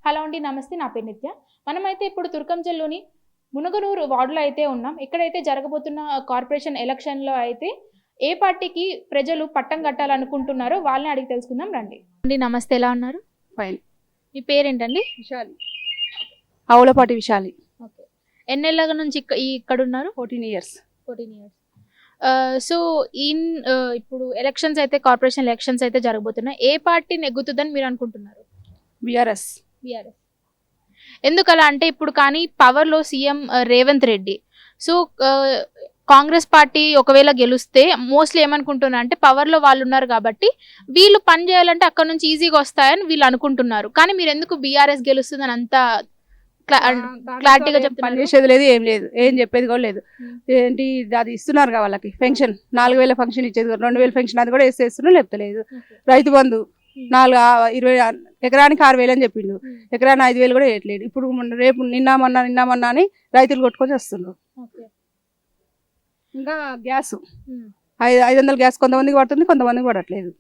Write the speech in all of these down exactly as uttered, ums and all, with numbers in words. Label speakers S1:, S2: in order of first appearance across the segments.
S1: Hello అండి, నమస్తే. నా పేరు నిత్య. మనమైతే ఇప్పుడు తుర్కంజల్లోని మునగనూరు వార్డులో అయితే ఉన్నాం. ఇక్కడైతే జరగబోతున్న కార్పొరేషన్ ఎలక్షన్‌లో అయితే ఏ పార్టీకి ప్రజలు పట్టం కట్టాలనుకుంటున్నారో వాళ్ళని అడిగి తెలుసుకుందాం రండి. అండి నమస్తే, ఎలా ఉన్నారు?
S2: ఫైన్.
S1: మీ పేరేంటండి?
S2: విశాలి. ఆవులపాటి విశాలి.
S1: ఓకే. ఎన్నేళ్ళ నుంచి ఇక్క ఇక్కడ ఉన్నారు?
S2: Fourteen years.
S1: Fourteen years. So in ఇప్పుడు ఎలక్షన్స్ అయితే కార్పొరేషన్ ఎలక్షన్స్ అయితే జరగబోతున్నాయి. ఏ పార్టీ నెగ్గుతుందని మీరు అనుకుంటున్నారు?
S2: బీఆర్ఎస్.
S1: బీఆర్ఎస్. ఎందుకలా అంటే ఇప్పుడు కానీ పవర్లో CM Revanth Reddy. So Congress party ఒకవేళ గెలిస్తే మోస్ట్లీ ఏమనుకుంటున్నారు అంటే పవర్లో వాళ్ళు ఉన్నారు కాబట్టి వీళ్ళు పని చేయాలంటే అక్కడ నుంచి ఈజీగా వస్తాయని వీళ్ళు అనుకుంటున్నారు. కానీ మీరు ఎందుకు బీఆర్ఎస్ గెలుస్తుందని అంత క్లారిటీగా చెప్తున్నారు?
S2: పని చేసేది లేదు, ఏం లేదు, ఏం చెప్పేది కూడా లేదు. ఏంటి అది ఇస్తున్నారు కదా వాళ్ళకి పెన్షన్, నాలుగు వేల ఫంక్షన్ ఇచ్చేది, రెండు వేల ఫంక్షన్ అది కూడా వేసేస్తున్నారు, లేపుతలేదు. రైతు బంధు నాలుగు ఇరవై ఎకరానికి ఆరు వేలు అని చెప్పిండు, ఎకరానికి ఐదు వేలు కూడా వేయట్లేదు. ఇప్పుడు రేపు నిన్నామన్నా నిన్నామన్నా అని రైతులు కొట్టుకొని వస్తున్నారు. ఇంకా గ్యాస్ ఐదు ఐదు వందల గ్యాస్ కొంతమందికి పడుతుంది, కొంతమందికి పడట్లేదు.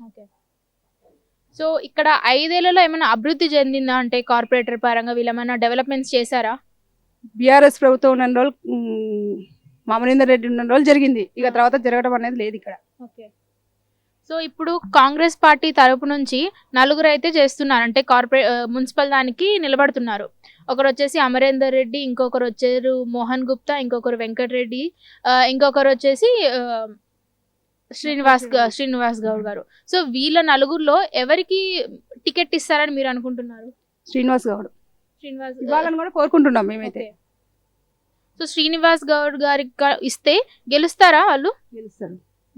S1: సో ఇక్కడ ఐదేళ్లలో ఏమైనా అభివృద్ధి చెందిందా అంటే కార్పొరేటర్ పరంగా వీళ్ళు ఏమైనా డెవలప్మెంట్స్ చేశారా?
S2: బీఆర్ఎస్ ప్రభుత్వం ఉన్న రోజులు మామనీందర్ రెడ్డి ఉన్న రోజులు జరిగింది, ఇక తర్వాత జరగడం అనేది లేదు ఇక్కడ.
S1: ఓకే. సో ఇప్పుడు కాంగ్రెస్ పార్టీ తరపు నుంచి నలుగురు అయితే చేస్తున్నారు, అంటే కార్పొరే మున్సిపల్ దానికి నిలబడుతున్నారు. ఒకరు వచ్చేసి అమరేందర్ రెడ్డి, ఇంకొకరు వచ్చారు మోహన్ గుప్తా, ఇంకొకరు వెంకటరెడ్డి, ఇంకొకరు వచ్చేసి శ్రీనివాస్ శ్రీనివాస్ గౌడ్ గారు. సో వీళ్ళ నలుగురులో ఎవరికి టికెట్ ఇస్తారని మీరు అనుకుంటున్నారు?
S2: శ్రీనివాస్ గౌడ్.
S1: శ్రీనివాస్
S2: ఇవ్వాలని కూడా కోరుకుంటున్నాం మేమైతే.
S1: సో శ్రీనివాస్ గౌడ్ గారికి ఇస్తే గెలుస్తారా వాళ్ళు?
S2: గెలుస్తారు.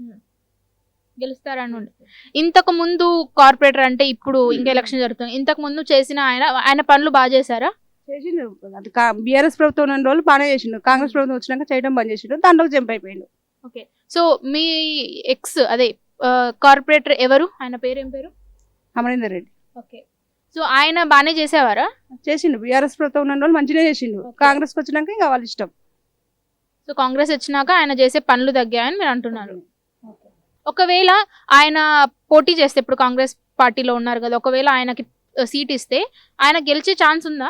S1: గెలుస్తారని ఇంతకు ముందు కార్పొరేటర్ అంటే ఇప్పుడు ఇంకా ఎలక్షన్ జరుగుతుంది, ఇంతకు ముందు చేసిన ఆయన ఆయన పనులు బాగా చేశారా?
S2: చేసిండు. అది బీఆర్ఎస్ ప్రభుత్వం ఉన్న రోజులు బాగానే చేసిండు, కాంగ్రెస్ ప్రభుత్వం వచ్చినాక చేయడం బంద్ చేసిండు, దాంట్లో జంప్ అయిపోయిండు.
S1: ఓకే. సో మీ ఎక్స్ అదే కార్పొరేటర్ ఎవరు, ఆయన పేరు ఏం పేరు?
S2: అమరేందర్ రెడ్డి.
S1: ఓకే. సో ఆయన బాగానే చేసేవారా?
S2: చేసిండు. బీఆర్ఎస్ ప్రభుత్వం ఉన్న రోజులు మంచిగా చేసిండు, కాంగ్రెస్కి వచ్చినాక ఇంకా వాళ్ళ ఇష్టం.
S1: సో కాంగ్రెస్ వచ్చినాక ఆయన చేసే పనులు తగ్గాయని మీరు అంటున్నారు. ఒకవేళ ఆయన పోటీ చేస్తే, ఇప్పుడు కాంగ్రెస్ పార్టీలో ఉన్నారు కదా, ఒకవేళ ఆయనకి సీట్ ఇస్తే ఆయన గెలిచే ఛాన్స్ ఉందా?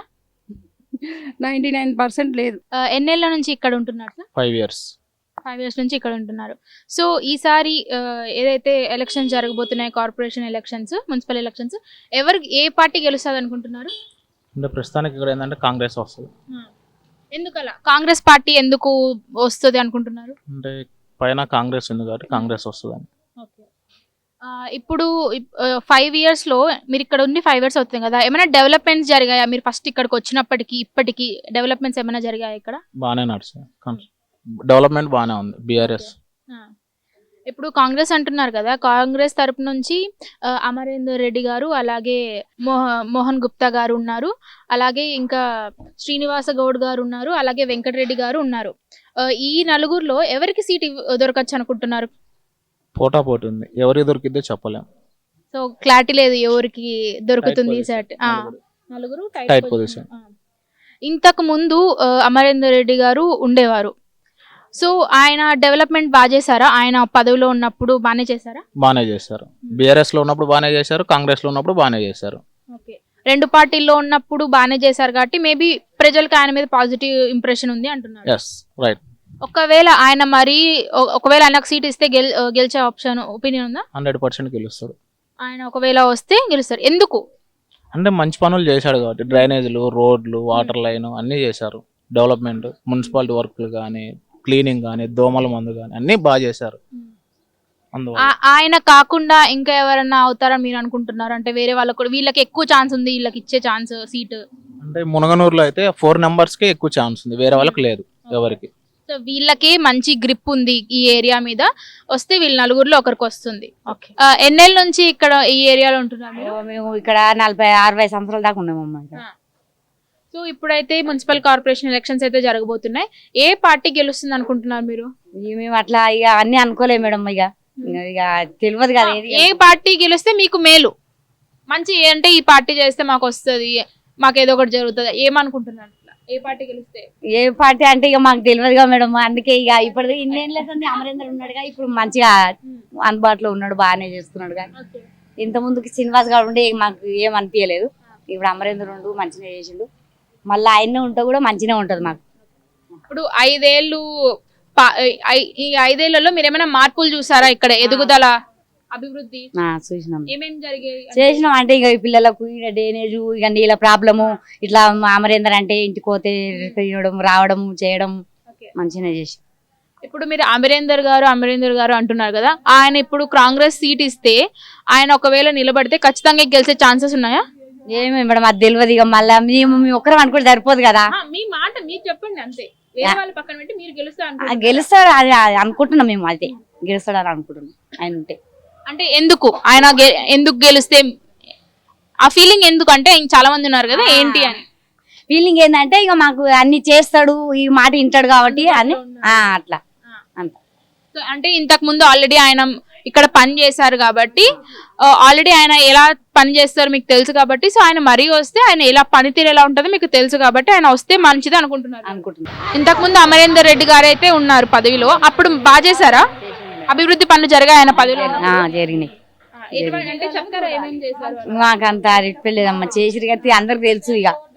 S2: నైన్టీ నైన్ పర్సెంట్ లేదు.
S1: ఎన్నేళ్ల నుంచి ఇక్కడ ఉంటున్నారు sir?
S3: Five years
S1: five years నుంచి ఇక్కడ ఉంటున్నారు. సో ఈసారి ఏదైతే ఎలక్షన్స్ జరగబోతున్నాయి, కార్పొరేషన్ ఎలక్షన్స్, మున్సిపల్ ఎలక్షన్స్, ఎవరు ఏ పార్టీ గెలుస్తుంది అనుకుంటున్నారు?
S3: అంటే ప్రస్తుతానికి ఇక్కడ ఏంటంటే కాంగ్రెస్ వస్తుంది.
S1: ఎందుకలా కాంగ్రెస్ పార్టీ ఎందుకు వస్తుంది అనుకుంటున్నారు?
S3: అంటే పైన కాంగ్రెస్ ఉంది కాబట్టి కాంగ్రెస్ వస్తుందని.
S1: ఓకే. ఇప్పుడు ఫైవ్ ఇయర్స్ లో మీరు ఇక్కడ ఉండి ఫైవ్ ఇయర్స్ అవుతుంది కదా, ఏమైనా డెవలప్మెంట్స్ జరిగాయా? మీరు ఫస్ట్ ఇక్కడికి వచ్చినప్పటికీ ఇప్పటికి డెవలప్మెంట్స్ ఏమైనా జరిగాయా ఇక్కడ?
S3: బాగానే నడుస్తుంది, డెవలప్మెంట్ బాగానే ఉంది బీఆర్ఎస్.
S1: ఇప్పుడు కాంగ్రెస్ అంటున్నారు కదా, కాంగ్రెస్ తరపు నుంచి అమరేందర్ రెడ్డి గారు, అలాగే మోహ మోహన్ గుప్తా గారు ఉన్నారు, అలాగే ఇంకా శ్రీనివాస గౌడ్ గారు ఉన్నారు, అలాగే వెంకటరెడ్డి గారు ఉన్నారు. ఈ నలుగురిలో ఎవరికి సీట్ దొరకచ్చు అనుకుంటున్నారు?
S3: పోటా పోటీ ఉంది, ఎవరికి దొరికిద్దో చెప్పలేము.
S1: సో క్లారిటీ లేదు ఎవరికి దొరుకుతుంది సీట్. నలుగురు టైట్ పొజిషన్. ఇంతకు ముందు అమరేందర్ రెడ్డి గారు ఉండేవారు. సో ఆయన డెవలప్మెంట్ బాగా చేశారా? ఆయన పదవిలో ఉన్నప్పుడు బాగానే చేశారా?
S3: బాగానే చేశారు. బీఆర్ఎస్ లో ఉన్నప్పుడు బాగానే చేశారు, కాంగ్రెస్ లో ఉన్నప్పుడు బాగానే చేశారు.
S1: ఓకే. రెండు పార్టీల్లో ఉన్నప్పుడు బాగానే చేశారు కాబట్టి మేబీ ప్రజలకు ఆయన మీద పాజిటివ్ ఇంప్రెషన్ ఉంది అంటున్నారు.
S3: Yes, right.
S1: ఒకవేళ ఆయన మరి ఒకవేళ ఆయనకు సీట్ ఇస్తే గెల్ గెలిచే ఆప్షన్ ఒపీనియన్ ఉందా?
S3: హండ్రెడ్ పర్సెంట్ గెలుస్తాడు
S1: ఆయన. ఒకవేళ వస్తే గెలుస్తారు. ఎందుకు
S3: అంటే మంచి పనులు చేశాడు కాబట్టి, డ్రైనేజీలు, రోడ్లు, వాటర్ లైన్ అన్నీ చేశారు. డెవలప్మెంట్, మున్సిపాలిటీ వర్క్లు కానీ, క్లీనింగ్ కానీ, దోమల మందు కానీ అన్నీ బాగా చేశారు. అందువల్ల
S1: ఆయన కాకుండా ఇంకా ఎవరన్నా అవుతారని మీరు అనుకుంటున్నారు? అంటే వేరే వాళ్ళకు కూడా వీళ్ళకి ఎక్కువ ఛాన్స్ ఉంది, వీళ్ళకి ఇచ్చే ఛాన్స్ సీట్
S3: అంటే మునగనూరులో అయితే ఫోర్ నెంబర్స్ కే ఎక్కువ ఛాన్స్ ఉంది, వేరే వాళ్ళకి లేదు ఎవరికి.
S1: సో వీళ్ళకి మంచి గ్రిప్ ఉంది ఈ ఏరియా మీద, వస్తే వీళ్ళ నలుగురిలో ఒకరికి వస్తుంది. ఓకే. ఎన్నేళ్ళ నుంచి ఇక్కడ ఈ ఏరియాలో ఉంటున్నారు?
S4: మేము ఇక్కడ నలభై అరవై సంవత్సరాల దాకా ఉన్నామమ్మా.
S1: సో ఇప్పుడైతే మున్సిపల్ కార్పొరేషన్ ఎలక్షన్స్ అయితే జరగబోతున్నాయి. ఏ పార్టీ గెలుస్తుంది అనుకుంటున్నారు మీరు?
S4: మేము అట్లా ఇక అన్ని అనుకోలేము మేడం, ఇక ఇక తెలియదు కదా
S1: ఏ పార్టీ గెలిస్తే మీకు మేలు, మంచి అంటే ఈ పార్టీ చేస్తే మాకు వస్తుంది, మాకు ఏదో ఒకటి జరుగుతుంది, ఏమనుకుంటున్నారు? ఏ పార్టీ గెలిస్తే?
S4: ఏ పార్టీ అంటే ఇక మాకు తెలియదుగా మేడం, అందుకే ఇక ఇప్పుడు ఇన్నేళ్ళ అమరేందర్ ఉన్నాడుగా, ఇప్పుడు మంచిగా అందుబాటులో ఉన్నాడు, బాగానే చేస్తున్నాడు. కానీ ఇంత ముందుకి శ్రీనివాస్ గారు ఉండే మాకు ఏం అనిపించలేదు, ఇప్పుడు అమరేంద్ర ఉండు మంచిగా చేసిండు, మళ్ళీ ఆయన ఉంటే కూడా మంచిగా ఉంటది మాకు.
S1: ఇప్పుడు ఐదేళ్ళు పా- ఐ- ఈ ఐదేళ్లలో మీరు ఏమైనా మార్పులు చూసారా ఇక్కడ ఎదుగుదల అభివృద్ధి
S4: ఆ, చూసినాం
S1: ఏమేమి జరిగాయి అంటే-
S4: చేసినాం. అంటే ఇక ఈ పిల్లలకు ఇక డ్రైనేజ్ ఇక నీళ్ళ ప్రాబ్లము ఇట్లా అమరేందర్ అంటే ఇంటికి పోతే తీయడం రావడం చేయడం
S1: Okay.
S4: మంచిగా చేసి.
S1: ఇప్పుడు మీరు అమరేందర్ గారు అమరేందర్ గారు అంటున్నారు కదా, ఆయన ఇప్పుడు కాంగ్రెస్ సీట్ ఇస్తే ఆయన ఒకవేళ నిలబడితే ఖచ్చితంగా గెలిచే ఛాన్సెస్ ఉన్నాయా?
S4: ఏమి మేడం అది తెలియదు. ఇక మళ్ళీ మేము మేము ఒక్కరం అనుకుంటే సరిపోదు కదా.
S1: ఆ, మీ మాట మీరు చెప్పండి అంతే, వేరే వాళ్ళ పక్కన పెట్టి మీరు గెలుస్తా
S4: ఆ,
S1: అనుకుంటున్నారా?
S4: గెలుస్తాడు అది అది అనుకుంటున్నాం మేము, అయితే గెలుస్తాడు అని అనుకుంటున్నాం ఆయన ఉంటే.
S1: అంటే ఎందుకు ఆయన గె- ఎందుకు గెలిస్తే ఆ ఫీలింగ్ ఎందుకు అంటే ఇంక చాలా మంది ఉన్నారు కదా ఏంటి అని
S4: ఫీలింగ్ ఏంటంటే ఇక మాకు అన్ని చేస్తాడు, ఈ మాట వింటాడు కాబట్టి అని ఆ, అట్లా అంత.
S1: సో అంటే ఇంతకు ముందు ఆల్రెడీ ఆయన ఇక్కడ పని చేశారు కాబట్టి ఆల్రెడీ ఆయన ఎలా పని చేస్తారో మీకు తెలుసు కాబట్టి, సో ఆయన మరీ వస్తే ఆయన ఎలా పనితీరు ఎలా ఉంటుందో మీకు తెలుసు కాబట్టి ఆయన వస్తే మంచిది అనుకుంటున్నారు.
S4: అనుకుంటున్నాం.
S1: ఇంతకు ముందు అమరేందర్ రెడ్డి గారు అయితే ఉన్నారు పదవిలో, అప్పుడు బాగా చేశారా? అభివృద్ధి పనులు జరిగాయి ఆయన పదవిలో?
S4: ఆ, జరిగినాయి.
S1: ఎటువంటి- అంటే చెప్తారా ఏమేం చేశారు?
S4: మాకు అంత రిప్పలేదమ్మా, చేసిరు కదా అందరికి తెలుసు. ఇక